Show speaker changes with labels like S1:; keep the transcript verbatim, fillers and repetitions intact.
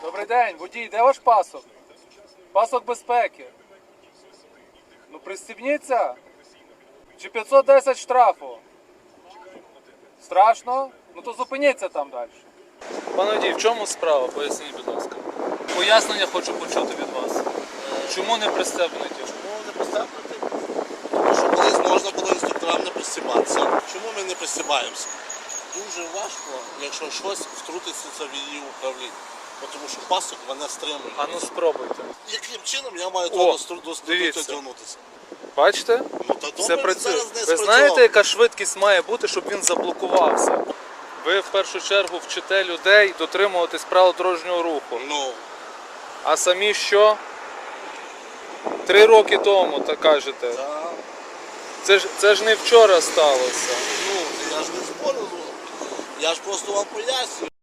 S1: Добрий день, водій, де ваш пасок? Пасок безпеки. Ну пристібніться. Чи п'ятсот десять штрафу? Страшно? Ну то зупиніться там далі. Пане водій, в чому справа? Поясніть, будь ласка. Пояснення хочу почути від вас. Чому не пристебнуті?
S2: Чому не пристебнути? Тому що колись можна було інструкторам не пристібатися. Чому ми не пристібаємося? Дуже важко, якщо щось втрутиться в її управління. Тому що пасок мене стримує.
S1: А ну спробуйте.
S2: Яким чином я маю
S1: О,
S2: до до
S1: дивіться.
S2: дотягнутися?
S1: Бачите?
S2: Ну, та
S1: Все
S2: добре,
S1: працює.
S2: зараз не
S1: Ви
S2: спрацював.
S1: знаєте, яка швидкість має бути, щоб він заблокувався? Ви в першу чергу вчите людей дотримуватись правил дорожнього руху.
S2: Ну,
S1: А самі що? Три роки тому, так кажете.
S2: та,
S1: Це ж, це ж не вчора сталося.
S2: ну, я ж не спорю. Я ж просто вам пояснюю.